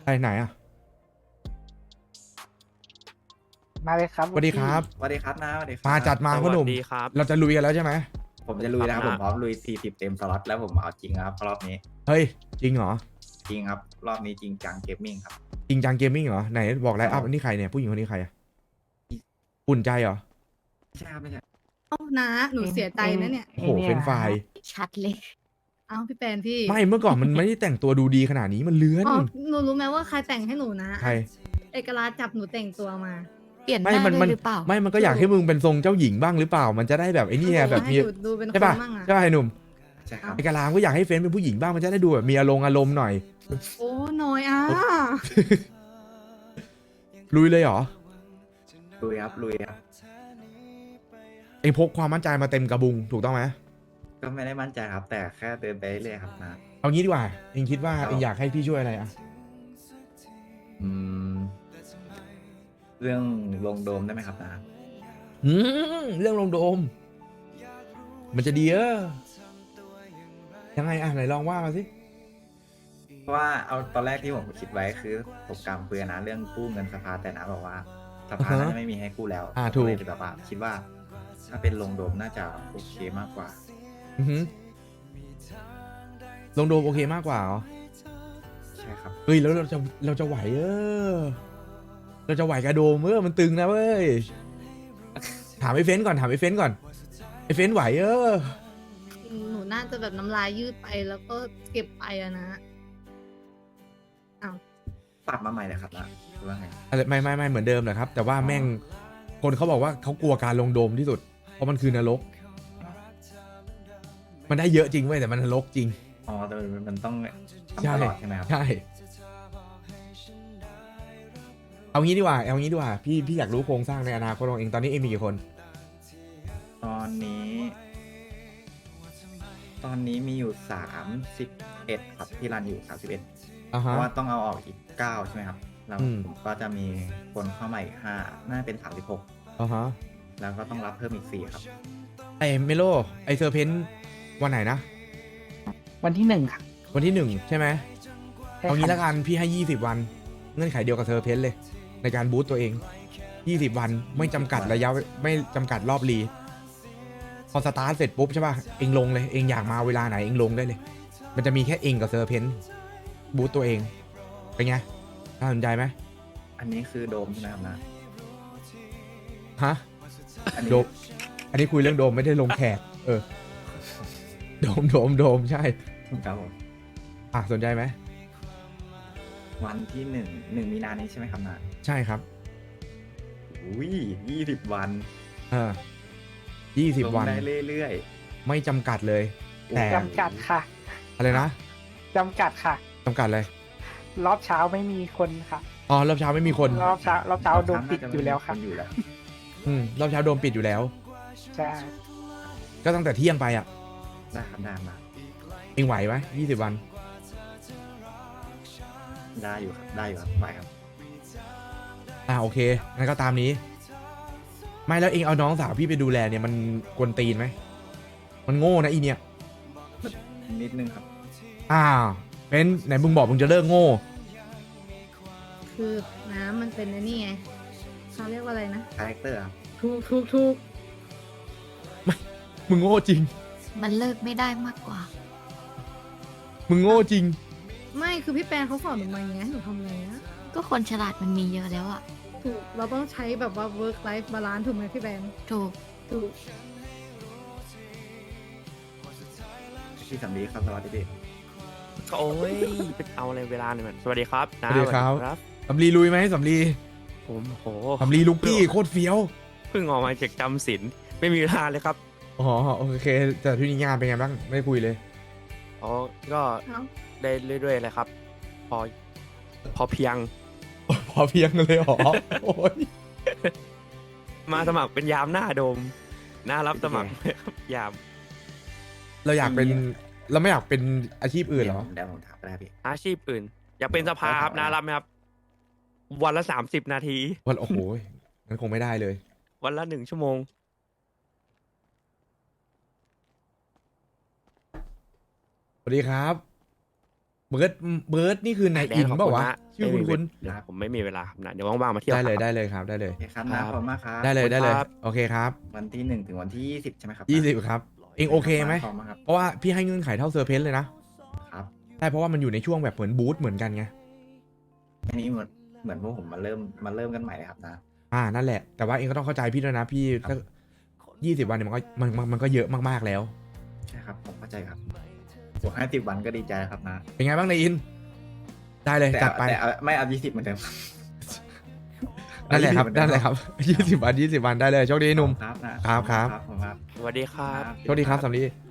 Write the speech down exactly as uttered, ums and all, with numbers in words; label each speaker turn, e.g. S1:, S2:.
S1: ไปไหนอ่ะ
S2: มาเลยครับ
S1: สวัสดีครับ
S3: สวัสดีครับนะสวัสดีครับ
S1: มาจัดมา
S4: ส
S1: พ่อหนุ่ม
S4: วัสดีครับ
S1: เราจะลุยกันแล้วใช่ไหม
S3: ผมจะลุยนะครับ
S4: ค
S3: ผ
S4: รับ
S3: มพร้อมลุยสี่สิบเต็มสล็อตแล้วผมเอาจริงครับรอบนี้
S1: เฮ้ย จริงเหรอ
S3: จริงครับ รอบนี้จริงจังเกมมิ่งครับ
S1: จริงจังเกมมิ่งเหรอ ไหนบอกไลน์อัพอันนี้ใครเนี่ย ผู้หญิงคนนี้ใครอ่ะอุ่นใจเหรอ
S3: ไม่ใช่ครับไม่ใช่
S5: เอ้านะหนูเสียใจนะเนี่ย
S1: โอ้โหเฟรนช์ฟราย
S6: ชัดเลย
S5: เอ้าพี่แปนพี่
S1: ไม่เมื่อก่อนมันไม่ได้แต่งตัวดูดีขนาดนี้มันเลื้อน
S5: อ๋อหนูรู้ไหมว่าใครแต่งให้หนูนะ
S1: ใคร
S5: เอกราชจับหนูแต่งตัวมา
S6: เปลี่ยนห
S1: ไม่
S6: น้า
S1: มัน
S6: เล
S1: มัน
S6: ยหรือเปล่า
S1: ไม่มันก็อยากให้มึงเป็นทรงเจ้าหญิงบ้างหรือเปล่า มันจะได้แบบไอ้นี่ไงแบบมี
S5: ให้ดูดูเป็นค
S1: ใช่
S5: น
S1: ป่ะ
S5: มั่งอะ
S1: ใช่ป่ะไอ้หนุ่ม
S3: ใช่ครับ
S1: ไอ้กะลามก็อยากให้เฟรนช์เป็นผู้หญิงบ้างมันจะได้ดูแบบมีอารมณ์อารมณ์หน่อย
S5: โอ้น้อยอ่ะ
S1: ลุยเลยเหรอ
S3: ลุยครับลุยครับ
S1: เองพกความมั่นใจมาเต็มกระบุงถูกต้องไหม
S3: ก็ไม่ได้มั่นใจครับ แต่แค่เดินไปเรื่อยๆครับนะ
S1: เอางี้ดีกว่าเองคิดว่า
S3: ครับ
S1: เองอยากให้พี่ช่วยอะไรอ่ะ
S3: อืมเรื่องลงโดมได้ไหมครับนะ
S1: อืมเรื่องลงโดม มันจะดีเออยังไงอ่ะไหนลองว่ามาสิ
S3: เพราะว่าเอาตอนแรกที่ผมคิดไว้คือผมกำเปือนนะเรื่องกู้เงินสภาแต่นะบอกว่าสภาน่าจะไม่มีให้กู้แล้ว
S1: อ่าถูก
S3: เลยแบบว่าคิดว่า ถ้าเป็นลงโดมน่าจะโอเคมากกว่า
S1: อือหือลงโดมโอเคมากกว่าเหรอ
S3: ใช่ครับ
S1: เฮ้ยแล้วเราจะเราจะไหวเออ เราจะไหวกระโดมเออมันตึงนะเว้ย ถามไอ้เฟ้นก่อนถามไอ้เฟ้นก่อนไอ้เฟ้นไหวเออ
S5: หนูน่าจะแบบน้ำลายยืดไปแล้วก็เก็บไปอะนะ
S3: ปรับมาใหม่เลยครับนะหรือว่าไง
S1: อะไรไม่ไม่ไม่เหมือนเดิมแหละครับ แต่ว่าแม่งคนเขาบอกว่าเขากลัวการลงโดมที่สุด เพราะมันคือนรก มันได้เยอะจริงเว้ยแต่มันนรกจริง
S3: อ๋อแต่มันต้องทำ
S1: ใช่
S3: ตลอดใช่ไหมครับ
S1: ใช่ เอางี้ดีกว่าเอางี้ดีกว่าพี่พี่อยากรู้โครงสร้างในอนาคตของเองตอนนี้เองมีกี่คน
S3: ตอนนี้ ตอนนี้มีอยู่สามสิบเอ็ดครับที่รันอยู่สามสิบเอ็ด
S1: อ่า
S3: เพ
S1: ฮะ
S3: ราะว่าต้องเอาออกอีกเก้าใช่ไหมครับแล้ว
S1: อืม
S3: ผมก็จะมีคนเข้ามาอีกห้าน่าจะเป็นสามสิบหก
S1: อ่าฮะ
S3: แล้วก็ต้องรับเพิ่มอีกสี่ครับ
S1: ไอเมโลไอเซอร์เพนวันไหนนะ
S2: วันที่หนึ่งค่ะ
S1: วันที่หนึ่งใช่ไหม
S2: ใช่
S1: เอางี้
S2: ครับ
S1: ละกันพี่ให้ยี่สิบวัน เงื่อนไขเดียวกับเซอร์เพนเลย ในการบูสต์ตัวเองยี่สิบวันไม่จำกัดระยะไม่จำกัดรอบรีพอสตาร์ทเสร็จปุ๊บใช่ป่ะเองลงเลยเองอยากมาเวลาไหนเองลงได้เลย มันจะมีแค่เองกับเซอร์เพนบูสต์ตัวเองเป็นไงน่าสนใจไหม
S3: อันนี้คือโดมใช่ไหมครับนะ
S1: ฮะ
S3: อันนี้
S1: โดมอันนี้คุยเรื่องโดมไม่ได้ลงแขกเออโดมโดมโดมใช่
S3: ครับผม
S1: อ่ะสนใจไหม
S3: วันที่หนึ่งหนึ่งมีนานี้ใช่ไหมครับนะ
S1: ใช่ครับ
S3: อุ้ยยี่สิบวัน
S1: เออยี่สิบ
S3: ลง
S1: วัน
S3: ได้เรื่อย
S1: ไม่จำกัดเลย
S3: ๆ
S1: แต่
S2: จำกัดค่ะ
S1: อะไรนะ
S2: จำกัดค่ะ
S1: จำกัดเลย
S2: รอบเช้าไม่มีคนค่ะ
S1: อ๋อรอบเช้าไม่มีคน
S2: รอบเช้ารอบเช้าโดนปิดอยู่แล้วค่ะ
S3: นอยู่แล้ว
S1: อืมรอบเช้าโดนปิดอยู่แล้ว
S2: ใช่
S1: ก็ตั้งแต่เที่ยงไปอ่ะ
S3: ได้ครับได้มา
S1: เองไหวไหมยี่สิบวัน
S3: ได้อยู่ครับได้อยู่ครับไปครับ
S1: อ่าโอเคงั้นก็ตามนี้ ไม่แล้วเองเอาน้องสาวพี่ไปดูแลเนี่ยมันกวนตีนไหมมันโง่นะอีเนี่ย
S3: นิดนึงครับ
S1: อ้าวเป็นไหนมึงบอกมึงจะเลิกโง่
S5: คือน้ำมันเป็นไอ้นี่ไงเขาเรียกว่าอะไรนะ
S3: คาแรคเตอร์ครับ
S5: ถูกถูกถูก
S1: มึงโง่จริง
S6: มันเลิกไม่ได้มากกว่า
S1: มึงโง่จริง
S5: ไม่คือพี่แปนเขาสอนหนูมาอย่างเงี้ยหนูทำไงนะ
S6: ก็คนฉลาดมันมีเยอะแล้วอะ
S5: ถูกเราต้องใช้แบบว่า work life balance ถูกไหมพี่แปน
S6: ถูก
S5: ถูก
S3: พี่สำลีครับสวัสดีพี่
S4: โอ้ยไปเอาอะไรเวลาหน่อยมันสวัสดีครับนะ
S1: สวัสดีครับ
S4: สวัส
S1: สำลีลุยไหมสำลี
S4: ผมโห
S1: สำลีลุกกี้โคตรเฟี้ยว
S4: เพิ่งออกมาจากจำศีลไม่มีเวลาเลยครับ
S1: อ๋อโอเคแต่ที่นี่งานเป็นไงบ้างไม่ได้คุยเลย
S4: อ๋อก็
S5: เอ้า
S4: ได้เรื่อยๆเลยครับ พอพอเพียง
S1: พอเพียงเลยเหรอ โอ้ย
S4: มาสมัครเป็นยามหน้าโดมน่ารับสมัครไหมครับยาม
S1: เราอยากเป็นเราไม่อยากเป็นอาชีพอื่นเหรอ
S3: เดี๋ยวผมถามก็ได้พี่
S4: อาชีพอื่น อยากเป็นสภาครับน่ารับไหมครับ วันละสามสิบนาที
S1: วันโอ้โหงั้นคงไม่ได้เลย
S4: วันละหนึ่งชั่วโมง
S1: สวัสดีครับเบิร์ดเบิร์ดนี่คือนายอินเปล่าวะชื่อคุณคุณ
S4: เดี๋ยวผมไม่มีเวลาครับนะเดี๋ยวว่างๆมาเที่ยว
S1: ได้เลย
S4: ครับ
S1: ได้เลยครับได้เลย
S3: โอเคครับนะขอบคุณมากครับ
S1: ได้เลยได้เลย
S4: ครับ
S1: โอเคครับ
S3: วันที่หนึ่งถึงวันที่ยี่สิบใช่ไหมครับ
S1: ยี่สิบครับ เองโอเคไหม
S3: ขอบคุณครับ
S1: เพราะว่าพี่ให้เงื่อนไขเท่าเซอร์เพนเลยนะครับ ใช่เพราะว่ามันอยู่ในช่วงแบบเหมือนบูธเหมือนกันไง
S3: อันนี้เหมือนเหมือนพวกผมมาเริ่มมาเริ่มกันใหม่เลยครับนะ
S1: อ่านั่นแหละแต่ว่าเองก็ต้องเข้าใจพี่ด้วยนะพี่ถ้ายี่สิบวันเนี่ยมันก็มันมันมันก็เยอะมากๆแล้ว
S3: ใช่ครับผมเข้าใจครับบวกห้าสิบวันก็ดีใจครับนะ
S1: เป็นไงบ้างนายอิน ได้เลย
S3: แต่
S1: จัด
S3: เอา
S1: ไป
S3: แต่เอาไม่เอายี่สิบเหมือนเดิมครับ
S1: นั่นแหละครับ
S3: เอา20
S1: นั่นแหละครับยี่สิบวันยี่สิบวันได้เลยโชคดีหนุ่ม
S3: ครับนะครับ
S1: ครับ
S3: ผมครับ
S4: สวัสดีครับ
S1: โชคดีครับสำลี